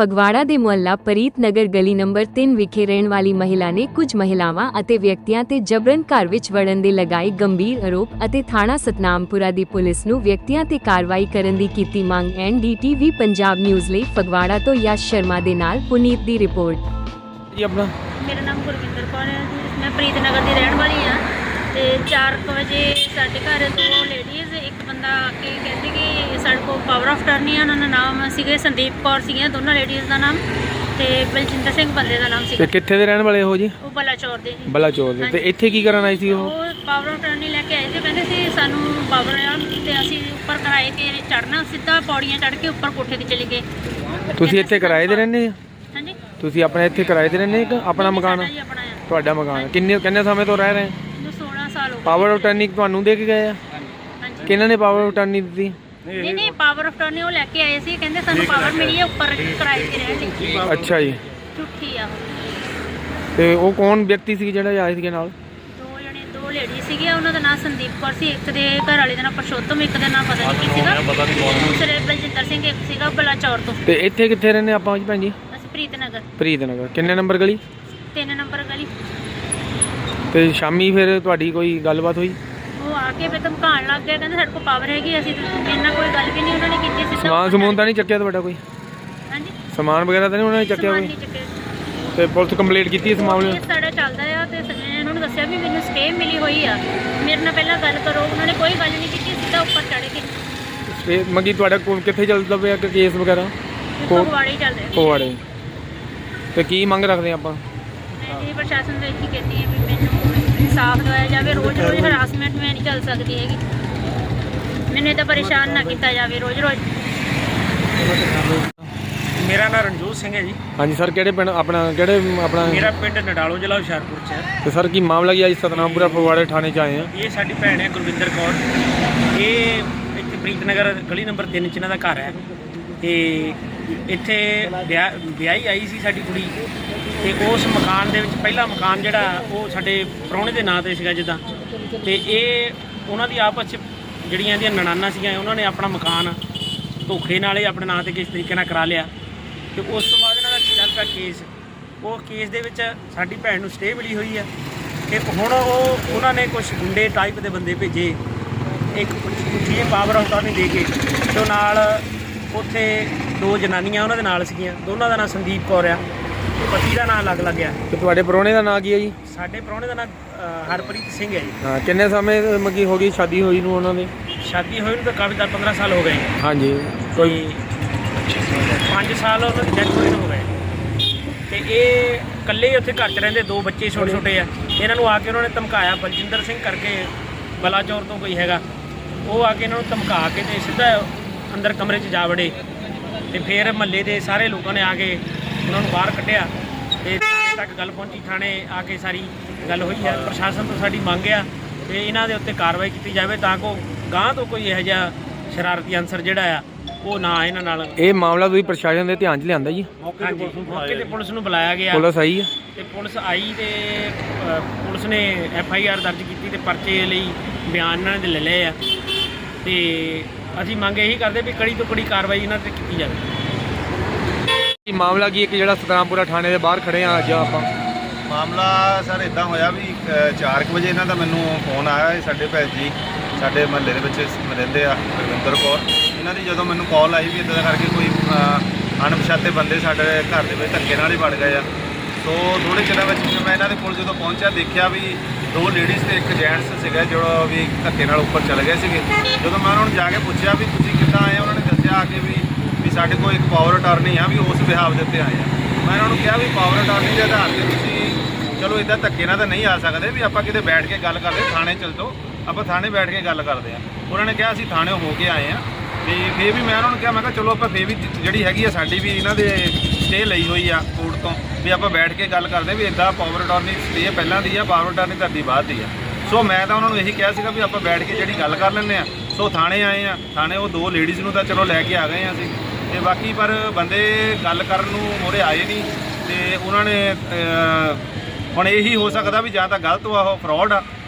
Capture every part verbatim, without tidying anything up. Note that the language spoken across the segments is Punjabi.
ਫਗਵਾੜਾ ਦੇ ਮੁਹੱਲਾ ਪ੍ਰੀਤ ਨਗਰ ਗਲੀ ਨੰਬਰ ਤਿੰਨ ਵਿਖੇ ਰਹਿਣ ਵਾਲੀ ਮਹਿਲਾ ਨੇ ਕੁਝ ਮਹਿਲਾਵਾਂ ਅਤੇ ਵਿਅਕਤੀਆਂ ਤੇ ਜਬਰਨ ਘਰ ਵਿੱਚ ਵੜਨ ਦੇ ਲਗਾਏ ਗੰਭੀਰ ਆਰੋਪ ਅਤੇ ਥਾਣਾ ਸਤਨਾਮਪੁਰਾ ਦੀ ਪੁਲਿਸ ਨੂੰ ਵਿਅਕਤੀਆਂ ਤੇ ਕਾਰਵਾਈ ਕਰਨ ਦੀ ਕੀਤੀ ਮੰਗ। N D T V Punjab news ਲਈ ਫਗਵਾੜਾ ਤੋਂ ਯਸ਼ ਸ਼ਰਮਾ ਦੇ ਨਾਲ ਪੁਨੀਤ ਦੀ ਰਿਪੋਰਟ। ਜੀ ਆਪਣਾ ਮੇਰਾ ਨਾਮ ਗੁਰਵਿੰਦਰ ਕੌਰ ਹੈ ਜੀ। ਮੈਂ ਪ੍ਰੀਤ ਨਗਰ ਦੀ ਰਹਿਣ ਵਾਲੀ ਹਾਂ ਤੇ ਚਾਰ ਵਜੇ ਸਾਡੇ ਘਰ ਦੋ ਲੇਡੀਜ਼ ਇੱਕ ਬੰਦਾ ਆ ਕੇ ਕਹਿੰਦੇ ਕਿ ਸਾਡੇ ਕੋਲ ਪਾਵਰ ਆਫ ਟਰਨੀ ਆ। ਉਹਨਾਂ ਦਾ ਨਾਮ ਸੀਗੇ ਸੰਦੀਪ ਕੌਰ ਸੀਗੀਆਂ ਦੋਨੋਂ ਲੇਡੀਜ਼ ਦਾ ਨਾਮ, ਤੇ ਬਲਜਿੰਦਰ ਸਿੰਘ ਬੰਦੇ ਦਾ ਨਾਮ ਤੇ ਸੀਗਾ। ਕਿੱਥੇ ਦੇ ਰਹਿਣ ਵਾਲੇ ਹੋ ਜੀ? ਉਹ ਬਲਾਚੌਰ ਦੇ ਜੀ। ਬਲਾਚੌਰ ਦੇ। ਤੇ ਇੱਥੇ ਕੀ ਕਰਨ ਆਈ ਸੀ ਉਹ? ਉਹ ਪਾਵਰ ਆਫ ਟਰਨੀ ਲੈ ਕੇ ਆਏ ਸੀ। ਕਹਿੰਦੇ ਸੀ ਸਾਨੂੰ ਪਾਵਰ ਆ ਤੇ ਅਸੀਂ ਉੱਪਰ ਕਿਰਾਏ ਤੇ ਚੜ੍ਹਨਾ, ਸਿੱਧਾ ਪੌੜੀਆਂ ਚੜ੍ਹ ਕੇ ਉੱਪਰ ਕੋਠੇ ਤੇ ਚਲੇ ਗਏ। ਤੁਸੀਂ ਇੱਥੇ ਕਿਰਾਏ ਤੇ ਰਹਿੰਦੇ ਆ? ਹਾਂਜੀ, ਤੁਸੀਂ ਆਪਣੇ ਇੱਥੇ ਕਿਰਾਏ ਤੇ ਰਹਿੰਦੇ ਕਿ ਆਪਣਾ ਮਕਾਨ ਆ? ਸਾਡਾ ਜੀ ਆਪਣਾ ਆ। ਤੁਹਾਡਾ ਮਕਾਨ ਕਿੰਨੇ ਕਿੰਨੇ ਸਮੇਂ ਤੋਂ ਰਹਿ ਰਹੇ? ਮੈਨੂੰ ਸੋਲਾਂ ਸਾਲ ਹੋ ਗਏ। ਪਾਵਰ ਆਫ ਟਰਨੀ ਤੁਹਾਨੂੰ ਦੇ ਕੇ ਗਏ ਆ? ਹਾਂਜੀ। ਕਿਹਨਾਂ ਨੇ ਪਾਵਰ ਆਫ ਟਰਨੀ ਦਿੱਤੀ? ਨਹੀਂ ਨਹੀਂ, ਪਾਵਰ ਆਫ ਟਰਨੀ ਉਹ ਲੈ ਕੇ ਆਏ ਸੀ। ਕਹਿੰਦੇ ਸਾਨੂੰ ਪਾਵਰ ਮਿਲੀ ਹੈ ਉੱਪਰ ਕਿਰਾਏ ਤੇ ਰਹਿਣ ਲਈ। ਅੱਛਾ ਜੀ। ਝੂਠੀ ਆ ਉਹ। ਤੇ ਉਹ ਕੌਣ ਵਿਅਕਤੀ ਸੀ ਜਿਹੜਾ ਆਏ ਸੀਗੇ ਨਾਲ? ਦੋ ਜਣੇ ਦੋ ਲੇਡੀ ਸੀਗੇ। ਉਹਨਾਂ ਦਾ ਨਾਮ ਸੰਦੀਪ ਕੌਰ ਸੀ, ਇੱਕ ਦੇ ਘਰ ਵਾਲੇ ਦਾ ਨਾਮ ਪਰਸ਼ੋਤਮ, ਇੱਕ ਦਾ ਨਾਮ ਪਤਾ ਨਹੀਂ ਕੀ ਸੀਗਾ। ਦੂਸਰੇ ਬਲਜਿੰਦਰ ਸਿੰਘ ਇੱਕ ਸੀਗਾ ਬਲਾਚੌਰ ਤੋਂ। ਤੇ ਇੱਥੇ ਕਿੱਥੇ ਰਹਿੰਦੇ ਆਪਾਂ ਜੀ ਭੈਣ ਜੀ? ਅਸੀਂ ਪ੍ਰੀਤ ਨਗਰ ਪ੍ਰੀਤ ਨਗਰ। ਕਿੰਨੇ ਨੰਬਰ ਗਲੀ? ਤਿੰਨ ਨੰਬਰ ਗਲੀ। ਤੇ ਸ਼ਾਮੀ ਫਿਰ ਤੁਹਾਡੀ ਕੋਈ ਗੱਲਬਾਤ ਹੋਈ? ਉਹ ਆ ਕੇ ਫਿਰ ਧਮਕਾਉਣ ਲੱਗ ਗਏ। ਕਹਿੰਦੇ ਸਾਡੇ ਕੋਲ ਪਾਵਰ ਹੈਗੀ, ਅਸੀਂ ਇੰਨਾ ਕੋਈ ਗੱਲ ਵੀ ਨਹੀਂ ਉਹਨਾਂ ਨੇ ਕੀਤੀ। ਸਿੱਧਾ ਸਮਾਨ ਸਮੂਨ ਤਾਂ ਨਹੀਂ ਚੱਕਿਆ ਤੁਹਾਡਾ ਕੋਈ? ਹਾਂਜੀ, ਸਮਾਨ ਵਗੈਰਾ ਤਾਂ ਨਹੀਂ ਉਹਨਾਂ ਨੇ ਚੱਕਿਆ ਸਮਾਨ ਕੋਈ? ਨਹੀਂ ਚੱਕਿਆ। ਤੇ ਪੁਲਿਸ ਕੰਪਲੀਟ ਕੀਤੀ ਇਸ ਮਾਮਲੇ ਕੇਸ ਸਾਡਾ ਚੱਲਦਾ ਆ ਤੇ ਇਹਨਾਂ ਨੂੰ ਦੱਸਿਆ ਵੀ ਮੈਨੂੰ ਸਟੇ ਮਿਲੀ ਹੋਈ ਆ, ਮੇਰੇ ਨਾਲ ਪਹਿਲਾਂ ਗੱਲ ਕਰੋ। ਉਹਨਾਂ ਨੇ ਕੋਈ ਗੱਲ ਨਹੀਂ ਕੀਤੀ, ਸਿੱਧਾ ਉੱਪਰ ਚੜ੍ਹ ਗਏ। ਤੇ ਮੰਗੀ ਤੁਹਾਡਾ ਕੋਲ ਕਿੱਥੇ ਚੱਲਦਾ ਪਿਆ ਕਿ ਕੇਸ ਵਗੈਰਾ? ਫਗਵਾੜੇ ਹੀ ਚੱਲ ਰਿਹਾ। ਫਗਵਾੜੇ। ਤੇ ਕੀ ਮੰਗ ਰੱਖਦੇ ਆਪਾਂ? ਮੈਂ ਜੀ ਪ੍ਰਸ਼ਾਸਨ ਤੋਂ ਇਹੀ ਕਹਿੰਦੀ ਹਾਂ ਵੀ ਮੈਨੂੰ ਇਨਸਾਫ ਦਿਵਾਇਆ ਜਾਵੇ। ਰੋਜ਼ ਰੋਜ਼ ਹਰਾਸਮੈਂਟ ਮੈਂ ਨਹੀਂ ਚੱਲ ਸਕਦੀ ਹੈਗੀ। ਮੈਨੂੰ ਤਾਂ ਪਰੇਸ਼ਾਨ ਨਾ ਕੀਤਾ ਜਾਵੇ ਰੋਜ਼ ਰੋਜ਼। ਮੇਰਾ ਨਾਮ ਰਣਜੋਤ ਸਿੰਘ ਹੈ ਜੀ। ਹਾਂਜੀ ਸਰ, ਕਿਹੜੇ ਪਿੰਡ ਆਪਣਾ ਕਿਹੜੇ ਆਪਣਾ? ਮੇਰਾ ਪਿੰਡ ਨਡਾਲੋ, ਜ਼ਿਲ੍ਹਾ ਹੁਸ਼ਿਆਰਪੁਰ 'ਚ ਹੈ। ਤੇ ਸਰ ਕੀ ਮਾਮਲਾ ਕੀ ਅੱਜ ਸਤਨਾਮਪੁਰਾ ਫਗਵਾੜੇ ਥਾਣੇ 'ਚ ਆਏ ਆ? ਇਹ ਸਾਡੀ ਭੈਣ ਹੈ ਗੁਰਵਿੰਦਰ ਕੌਰ। ਇਹ ਇੱਥੇ ਪ੍ਰੀਤ ਨਗਰ ਗਲੀ ਨੰਬਰ ਤਿੰਨ 'ਚ ਇਹਨਾਂ ਦਾ ਘਰ ਹੈ। ਤੇ ਇੱਥੇ ਵਿਆਹ ਵਿਆਹੀ ਆਈ ਸੀ ਸਾਡੀ ਕੁੜੀ। ਤੇ ਉਸ ਮਕਾਨ ਦੇ ਵਿੱਚ ਪਹਿਲਾ ਮਕਾਨ ਜਿਹੜਾ ਉਹ ਸਾਡੇ ਪ੍ਰਾਹੁਣੇ ਦੇ ਨਾਂ 'ਤੇ ਸੀਗਾ ਜਿੱਦਾਂ। ਤੇ ਇਹ ਉਹਨਾਂ ਦੀ ਆਪਸ 'ਚ ਜਿਹੜੀਆਂ ਇਹਦੀਆਂ ਨਣਾਨਾਂ ਸੀਗੀਆਂ, ਉਹਨਾਂ ਨੇ ਆਪਣਾ ਮਕਾਨ ਧੋਖੇ ਨਾਲ ਹੀ ਆਪਣੇ ਨਾਂ 'ਤੇ ਕਿਸ ਤਰੀਕੇ ਨਾਲ ਕਰਾ ਲਿਆ। ਤੇ ਉਸ ਤੋਂ ਬਾਅਦ ਇਹਨਾਂ ਦਾ ਚੱਲ ਪਿਆ ਕੇਸ। ਉਹ ਕੇਸ ਦੇ ਵਿੱਚ ਸਾਡੀ ਭੈਣ ਨੂੰ ਸਟੇ ਮਿਲੀ ਹੋਈ ਹੈ। ਤੇ ਹੁਣ ਉਹ ਉਹਨਾਂ ਨੇ ਕੁਝ ਗੁੰਡੇ ਟਾਈਪ ਦੇ ਬੰਦੇ ਭੇਜੇ, ਇੱਕ ਜੀ ਪਾਵਰ ਆਫ ਟਰਨੀ ਦੇ ਕੇ। ਤੇ ਉਹ ਨਾਲ ਉੱਥੇ ਦੋ ਜਨਾਨੀਆਂ ਉਹਨਾਂ ਦੇ ਨਾਲ ਸੀਗੀਆਂ। ਦੋਨਾਂ ਦਾ ਨਾਂ ਸੰਦੀਪ ਕੌਰ ਆ, ਪਤੀ ਦਾ ਨਾਂ ਅਲੱਗ ਲੱਗ ਗਿਆ। ਤੇ ਤੁਹਾਡੇ ਪ੍ਰਾਹੁਣੇ ਦਾ ਨਾਂ ਕੀ ਹੈ ਜੀ? ਸਾਡੇ ਪ੍ਰਾਹੁਣੇ ਦਾ ਨਾਂ ਹਰਪ੍ਰੀਤ ਸਿੰਘ ਹੈ ਜੀ। ਹਾਂ, ਕਿੰਨੇ ਸਮੇਂ ਮਗੀ ਹੋ ਗਈ ਸ਼ਾਦੀ ਹੋਈ ਨੂੰ ਉਹਨਾਂ ਦੀ? ਸ਼ਾਦੀ ਹੋਈ ਨੂੰ ਤਾਂ ਕਾਫੀ ਦਸ ਪੰਦਰਾਂ ਸਾਲ ਹੋ ਗਏ। ਹਾਂਜੀ। ਕੋਈ ਪੰਜ ਸਾਲ ਉਹਨਾਂ ਦੀ ਡੈਥ ਹੋਈ ਨੂੰ ਹੋ ਗਏ। ਤੇ ਇਹ ਇਕੱਲੇ ਉੱਥੇ ਘਰ 'ਚ ਰਹਿੰਦੇ, ਦੋ ਬੱਚੇ ਛੋਟੇ ਛੋਟੇ ਆ। ਇਹਨਾਂ ਨੂੰ ਆ ਕੇ ਉਹਨਾਂ ਨੇ ਧਮਕਾਇਆ। ਬਲਜਿੰਦਰ ਸਿੰਘ ਕਰਕੇ ਬਲਾਚੌਰ ਤੋਂ ਕੋਈ ਹੈਗਾ, ਉਹ ਆ ਕੇ ਇਹਨਾਂ ਨੂੰ ਧਮਕਾ ਕੇ ਤੇ ਸਿੱਧਾ ਅੰਦਰ ਕਮਰੇ 'ਚ ਜਾ ਵੜੇ। ਤੇ ਫਿਰ ਮਹੱਲੇ ਦੇ ਸਾਰੇ ਲੋਕਾਂ ਨੇ ਆ ਕੇ ਉਹਨਾਂ ਨੂੰ ਬਾਹਰ ਕੱਢਿਆ ਤੇ ਥਾਣੇ ਤੱਕ ਗੱਲ ਪਹੁੰਚੀ। ਥਾਣੇ ਆ ਕੇ ਸਾਰੀ ਗੱਲ ਹੋਈ ਹੈ। ਪ੍ਰਸ਼ਾਸਨ ਤੋਂ ਸਾਡੀ ਮੰਗ ਆ ਤੇ ਇਹਨਾਂ ਦੇ ਉੱਤੇ ਕਾਰਵਾਈ ਕੀਤੀ ਜਾਵੇ ਤਾਂ ਕਿ ਗਾਂਹ ਤੋਂ ਕੋਈ ਇਹੋ ਜਿਹਾ ਸ਼ਰਾਰਤੀ ਅਨਸਰ ਜਿਹੜਾ ਆ ਉਹ ਨਾ ਇਹਨਾਂ ਨਾਲ। ਇਹ ਮਾਮਲਾ ਤੁਸੀਂ ਪ੍ਰਸ਼ਾਸਨ ਦੇ ਧਿਆਨ 'ਚ ਲਿਆਂਦਾ ਜੀ? ਹਾਂਜੀ, ਮੌਕੇ ਤੇ ਪੁਲਿਸ ਨੂੰ ਬੁਲਾਇਆ ਗਿਆ। ਪੁਲਿਸ ਆਈ ਹੈ? ਤੇ ਪੁਲਿਸ ਆਈ ਤੇ ਅ, ਪੁਲਿਸ ਨੇ ਐਫ ਆਈ ਆਰ ਦਰਜ ਕੀਤੀ ਤੇ ਪਰਚੇ ਲਈ ਬਿਆਨ ਇਹਨਾਂ ਨੇ ਲੈ ਲਏ ਆ। ਤੇ ਅਸੀਂ ਮੰਗ ਇਹੀ ਕਰਦੇ ਵੀ ਕੜੀ ਤੋਂ ਕੜੀ ਕਾਰਵਾਈ ਇਹਨਾਂ 'ਤੇ ਕੀਤੀ ਜਾਵੇ। ਇਹ ਮਾਮਲਾ ਕੀ ਇੱਕ ਜਿਹੜਾ ਸਤਨਾਮਪੁਰਾ ਥਾਣੇ ਦੇ ਬਾਹਰ ਖੜੇ ਆ ਅੱਜ ਆਪਾਂ? ਮਾਮਲਾ ਸਰ ਇੱਦਾਂ ਹੋਇਆ ਵੀ ਚਾਰ ਕੁ ਵਜੇ ਇਹਨਾਂ ਦਾ ਮੈਨੂੰ ਫੋਨ ਆਇਆ। ਇਹ ਸਾਡੇ ਭੈਣ ਜੀ ਸਾਡੇ ਮਹੱਲੇ ਦੇ ਵਿੱਚ ਰਹਿੰਦੇ ਆ, ਗੁਰਵਿੰਦਰ ਕੌਰ। ਇਹਨਾਂ ਦੀ ਜਦੋਂ ਮੈਨੂੰ ਕਾਲ ਆਈ ਵੀ ਇੱਦਾਂ ਦਾ ਕਰਕੇ ਕੋਈ ਅਣਪਛਾਤੇ ਬੰਦੇ ਸਾਡੇ ਘਰ ਦੇ ਵਿੱਚ ਧੱਕੇ ਨਾਲ ਹੀ ਵੜ ਗਏ ਆ। ਸੋ ਥੋੜ੍ਹੇ ਚਿਰਾਂ ਵਿੱਚ ਮੈਂ ਇਹਨਾਂ ਦੇ ਕੋਲ ਜਦੋਂ ਪਹੁੰਚਿਆ ਦੇਖਿਆ ਵੀ ਦੋ ਲੇਡੀਜ਼ ਤੇ ਇੱਕ ਜੈਂਟਸ ਸੀਗਾ ਜਿਹੜਾ ਵੀ ਧੱਕੇ ਨਾਲ ਉੱਪਰ ਚਲੇ ਗਏ ਸੀਗੇ। ਜਦੋਂ ਮੈਂ ਉਹਨਾਂ ਨੂੰ ਜਾ ਕੇ ਪੁੱਛਿਆ ਵੀ ਤੁਸੀਂ ਕਿੱਦਾਂ ਆਏ, ਉਹਨਾਂ ਨੇ ਦੱਸਿਆ ਆ ਕੇ ਵੀ ਵੀ ਸਾਡੇ ਕੋਲ ਇੱਕ ਪਾਵਰ ਅਟਾਰਨੀ ਆ, ਵੀ ਉਸ ਬਿਹਾਵ ਦੇ ਉੱਤੇ ਆਏ ਆ। ਮੈਂ ਉਹਨਾਂ ਨੂੰ ਕਿਹਾ ਵੀ ਪਾਵਰ ਅਟਾਰਨੀ ਦੇ ਆਧਾਰ 'ਤੇ ਤੁਸੀਂ ਚਲੋ ਇੱਦਾਂ ਧੱਕੇ ਨਾਲ ਤਾਂ ਨਹੀਂ ਆ ਸਕਦੇ, ਵੀ ਆਪਾਂ ਕਿਤੇ ਬੈਠ ਕੇ ਗੱਲ ਕਰਦੇ, ਥਾਣੇ ਚੱਲ ਜਾਓ, ਆਪਾਂ ਥਾਣੇ ਬੈਠ ਕੇ ਗੱਲ ਕਰਦੇ ਆ। ਉਹਨਾਂ ਨੇ ਕਿਹਾ ਅਸੀਂ ਥਾਣੇ ਹੋ ਕੇ ਆਏ ਆ। ਤੇ ਫਿਰ ਵੀ ਮੈਂ ਉਹਨਾਂ ਨੂੰ ਕਿਹਾ, ਮੈਂ ਕਿਹਾ ਚਲੋ ਆਪਾਂ ਫਿਰ ਵੀ ਜਿਹੜੀ ਹੈਗੀ ਆ ਸਾਡੀ ਵੀ ਇਹਨਾਂ ਦੇ ਸਟੇ ਲਈ ਹੋਈ ਆ ਕੋਰਟ ਤੋਂ, ਵੀ ਆਪਾਂ ਬੈਠ ਕੇ ਗੱਲ ਕਰਦੇ ਵੀ ਇੱਦਾਂ ਪਾਵਰ ਅਟਾਰਨੀ ਸਟੇ ਪਹਿਲਾਂ ਦੀ ਆ, ਪਾਵਰ ਅਟਾਰਨੀ ਤੁਹਾਡੀ ਬਾਅਦ ਦੀ ਆ। ਸੋ ਮੈਂ ਤਾਂ ਉਹਨਾਂ ਨੂੰ ਇਹੀ ਕਿਹਾ ਸੀਗਾ ਵੀ ਆਪਾਂ ਬੈਠ ਕੇ ਜਿਹੜੀ ਗੱਲ ਕਰ ਲੈਂਦੇ ਆ। ਸੋ ਥਾਣੇ ਆਏ ਆ, ਥਾਣੇ ਉਹ ਦੋ ਲੇਡੀਜ਼ ਨੂੰ ਤਾਂ ਚਲੋ ਲੈ ਕੇ ਆ ਗਏ ਆ ਅਸੀਂ। ਤੇ ਬਾਕੀ ਪਰ ਬੰਦੇ ਗੱਲ ਕਰਨ ਨੂੰ ਮੋਰੇ ਆਏ ਨਹੀਂ। ਤੇ ਉਹਨਾਂ ਨੇ ਹੁਣ ਇਹੀ ਹੋ ਸਕਦਾ ਵੀ ਜਾਂ ਤਾਂ ਗਲਤ ਆ, ਉਹ ਫਰੋਡ ਆ,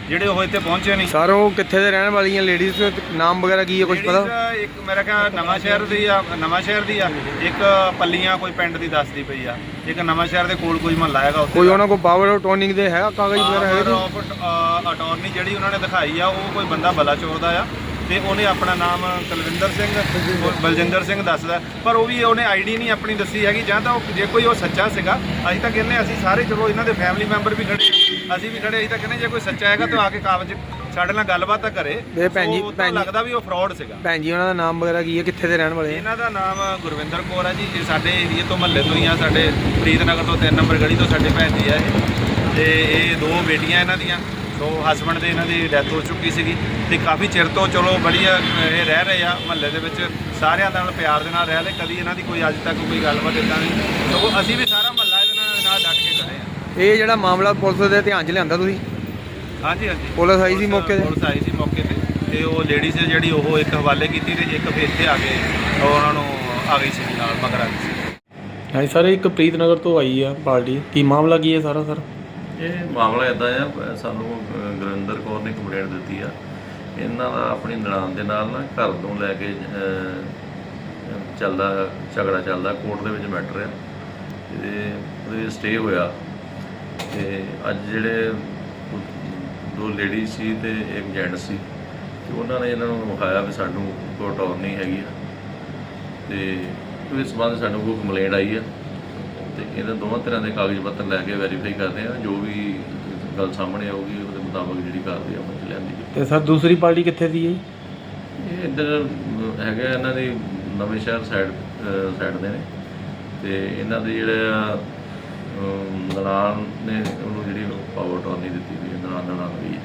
ਜਿਹੜੇ ਉਹ ਇੱਥੇ ਪਹੁੰਚੇ ਨਹੀਂ। ਸਰ ਉਹ ਕਿੱਥੇ ਦੇ ਰਹਿਣ ਵਾਲੀਆਂ ਲੇਡੀਜ਼ ਨਾਮ ਵਗੈਰਾ ਕੀ ਹੈ ਕੁਝ ਪਤਾ? Ladies, ਇੱਕ ਮੇਰਾ ਖਿਆਲ ਨਵਾਂ ਸ਼ਹਿਰ ਦੀ ਆ, ਨਵਾਂ ਸ਼ਹਿਰ ਦੀ ਆ, ਇੱਕ ਪੱਲੀਆਂ ਕੋਈ ਪਿੰਡ ਦੀ ਦੱਸਦੀ ਪਈ ਆ, ਇੱਕ ਨਵਾਂ ਸ਼ਹਿਰ ਦੇ ਕੋਲ ਕੋਈ ਮਹੱਲਾ ਹੈਗਾ ਉੱਥੇ ਕੋਈ ਉਹਨਾਂ ਕੋਲ ਪਾਵਰ ਟੋਨਿੰਗ ਦੇ ਹੈਗਾ ਕਾਗਜ਼ ਵਗੈਰਾ ਹੈਗੇ ਜੀ? ਅਟਾਰਨੀ ਜਿਹੜੀ ਉਹਨਾਂ ਨੇ ਦਿਖਾਈ ਆ ਉਹ ਕੋਈ ਬੰਦਾ ਬਲਾਚੌਰ ਦਾ ਆ ਤੇ ਉਹਨੇ ਆਪਣਾ ਨਾਮ ਕੁਲਵਿੰਦਰ ਸਿੰਘ ਬਲਜਿੰਦਰ ਸਿੰਘ ਦੱਸਦਾ, ਪਰ ਉਹ ਵੀ ਉਹਨੇ ਆਈਡੀ ਨਹੀਂ ਆਪਣੀ ਦੱਸੀ ਹੈਗੀ। ਜਾਂ ਤਾਂ ਉਹ ਜੇ ਕੋਈ ਉਹ ਸੱਚਾ ਸੀਗਾ, ਅਸੀਂ ਤਾਂ ਕਹਿੰਦੇ ਅਸੀਂ ਸਾਰੇ ਚਲੋ ਇਹਨਾਂ ਦੇ ਫੈਮਿਲੀ ਮੈਂਬਰ ਵੀ ਖੜੇ, ਅਸੀਂ ਵੀ ਖੜੇ, ਅਸੀਂ ਤਾਂ ਕਹਿੰਦੇ ਜੇ ਕੋਈ ਸੱਚਾ ਹੈਗਾ ਤਾਂ ਆ ਕੇ ਕਾਗਜ਼ ਸਾਡੇ ਨਾਲ ਗੱਲਬਾਤ ਤਾਂ ਕਰੇ। ਇਹ ਭੈਣ ਜੀ- ਉਹ ਤਾਂ ਭੈਣ ਜੀ- ਲੱਗਦਾ ਵੀ ਉਹ ਫਰਾਡ ਸੀਗਾ। ਭੈਣ ਜੀ ਉਹਨਾਂ ਦਾ ਨਾਮ ਵਗੈਰਾ ਕੀ ਹੈ, ਕਿੱਥੇ ਦੇ ਰਹਿਣ ਵਾਲੇ ਆ? ਇਹਨਾਂ ਦਾ ਨਾਮ ਗੁਰਵਿੰਦਰ ਕੌਰ ਹੈ ਜੀ। ਇਹ ਸਾਡੇ ਏਰੀਏ ਤੋਂ ਮਹੱਲੇ ਤੋਂ ਹੀ ਆ, ਸਾਡੇ ਫਰੀਦਨਗਰ ਤੋਂ ਤਿੰਨ ਨੰਬਰ ਗਲੀ ਤੋਂ ਸਾਡੇ ਭੈਣ ਜੀ ਆ ਇਹ। ਤੇ ਇਹ ਦੋ ਬੇਟੀਆਂ ਇਹਨਾਂ ਦੀਆਂ, ਸੋ ਹਸਬੰਡ ਦੇ ਇਹਨਾਂ ਦੀ ਡੈਥ ਹੋ ਚੁੱਕੀ ਸੀਗੀ ਤੇ ਕਾਫੀ ਚਿਰ ਤੋਂ ਚਲੋ ਬੜੀਆ ਇਹ ਰਹਿ ਰਹੇ ਆ ਮਹੱਲੇ ਦੇ ਵਿੱਚ, ਸਾਰਿਆਂ ਨਾਲ ਪਿਆਰ ਦੇ ਨਾਲ ਰਹਿ ਰਹੇ, ਕਦੀ ਇਹਨਾਂ ਦੀ ਕੋਈ ਅੱਜ ਤੱਕ ਕੋਈ ਗੱਲਬਾਤ ਇੱਦਾਂ ਨਹੀਂ। ਸੋ ਅਸੀਂ ਵੀ ਸਾਰਾ ਮਹੱਲਾ ਇਹਦੇ ਨਾਲ ਨਾਲ ਡਟ ਕੇ ਖੜੇ ਆ। ਇਹ ਜਿਹੜਾ ਮਾਮਲਾ ਪੁਲਿਸ ਦੇ ਧਿਆਨ 'ਚ ਲਿਆਂਦਾ ਤੁਸੀਂ? ਹਾਂਜੀ ਹਾਂਜੀ, ਪੁਲਿਸ ਆਈ ਸੀ ਮੌਕੇ ਤੇ? ਪੁਲਿਸ ਆਈ ਸੀ ਮੌਕੇ ਤੇ ਤੇ ਉਹ ਲੇਡੀਜ਼ ਜਿਹੜੀ ਉਹ ਇੱਕ ਹਵਾਲੇ ਕੀਤੀ ਤੇ ਇੱਕ ਫਿਰ ਇੱਥੇ ਆ ਕੇ ਉਹ ਉਹਨਾਂ ਨੂੰ ਆ ਗਈ ਸੀ ਨਾਲ ਮਗਰ ਆ ਗਈ ਸੀ। ਹਾਂਜੀ ਸਰ, ਇੱਕ ਪ੍ਰੀਤਨਗਰ ਤੋਂ ਆਈ ਆ ਪਾਰਟੀ, ਕੀ ਮਾਮਲਾ ਕੀ ਹੈ ਸਾਰਾ ਸਰ? ਇਹ ਮਾਮਲਾ ਇੱਦਾਂ ਆ, ਸਾਨੂੰ ਅ, ਗੁਰਵਿੰਦਰ ਕੌਰ ਨੇ ਕੰਪਲੇਂਟ ਦਿੱਤੀ ਆ। ਇਹਨਾਂ ਦਾ ਆਪਣੀ ਨਨਾਣ ਦੇ ਨਾਲ ਨਾ ਘਰ ਤੋਂ ਲੈ ਕੇ ਅ, ਚੱਲਦਾ ਝਗੜਾ ਚੱਲਦਾ, ਕੋਰਟ ਦੇ ਵਿੱਚ ਮੈਟਰ ਆ, ਇਹਦੇ ਉਹਦੇ ਸਟੇ ਹੋਇਆ। ਤੇ ਅੱਜ ਜਿਹੜੇ ਦੋ ਲੇਡੀ ਸੀ ਤੇ ਇੱਕ ਜੈਂਟ ਸੀ, ਤੇ ਉਹਨਾਂ ਨੇ ਇਹਨਾਂ ਨੂੰ ਵਿਖਾਇਆ ਵੀ ਸਾਨੂੰ ਕੋਈ ਅਟਾਰਨੀ ਹੈਗੀ ਆ, ਤੇ ਇਸ ਸੰਬੰਧ ਸਾਨੂੰ ਕੋਈ ਕੰਪਲੇਂਟ ਆਈ ਆ ਤੇ ਇਹਨਾਂ ਦੋਵਾਂ ਤਰ੍ਹਾਂ ਦੇ ਕਾਗਜ਼ ਪੱਤਰ ਲੈ ਕੇ ਵੈਰੀਫਾਈ ਕਰਦੇ ਆ, ਜੋ ਵੀ ਗੱਲ ਸਾਹਮਣੇ ਆਊਗੀ ਉਹਦੇ ਮੁਤਾਬਕ ਜਿਹੜੀ ਕਾਰਵਾਈ ਅਮਲ 'ਚ ਲਿਆਂਦੀ ਜਾਊਗੀ। ਤੇ ਸਰ ਦੂਸਰੀ ਪਾਰਟੀ ਕਿੱਥੇ ਦੀ ਹੈ? ਇਹ ਇੱਧਰ ਹੈਗਾ ਇਹਨਾਂ ਦੀ ਨਵੇਂ ਸ਼ਹਿਰ ਸਾਈਡ ਸਾਈਡ ਦੇ ਨੇ, ਤੇ ਇਹਨਾਂ ਦੇ ਜਿਹੜੇ ਆ ਨਨਾਣ ਨੇ ਉਹਨੂੰ ਜਿਹੜੀ ਪਾਵਰ ਟੋਰਨੀ ਦਿੱਤੀ ਵੀ ਨਨਾਣ ਨਨਾਣ ਵੀ ਹੈ।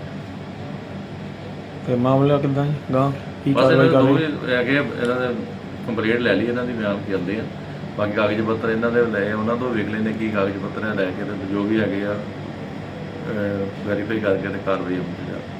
ਤੇ ਮਾਮਲਾ ਕਿੱਦਾਂ ਜੀ ਗਾਂ ਕੀ ਬਸ ਕਾਰਵਾਈ ਇਹਨਾਂ ਕਰ ਦੇ ਰਹੇ? ਦੋਵੇਂ ਹੈਗੇ ਆ, ਇਹਨਾਂ ਦੇ ਕੰਪਲੇਂਟ ਲੈ ਲਈ, ਇਹਨਾਂ ਦੀ ਬਿਆਨ ਕਰਦੇ ਆ, ਬਾਕੀ ਕਾਗਜ਼ ਪੱਤਰ ਇਹਨਾਂ ਦੇ ਲਏ, ਉਹਨਾਂ ਤੋਂ ਵੇਖ ਲੈਂਦੇ ਕੀ ਕਾਗਜ਼ ਪੱਤਰ ਹੈ ਲੈ ਕੇ, ਤੇ ਜੋ ਵੀ ਹੈਗੇ ਆ ਵੈਰੀਫਾਈ ਕਰਕੇ ਤੇ ਕਾਰਵਾਈ ਅਮਲ 'ਚ ਲਿਆ।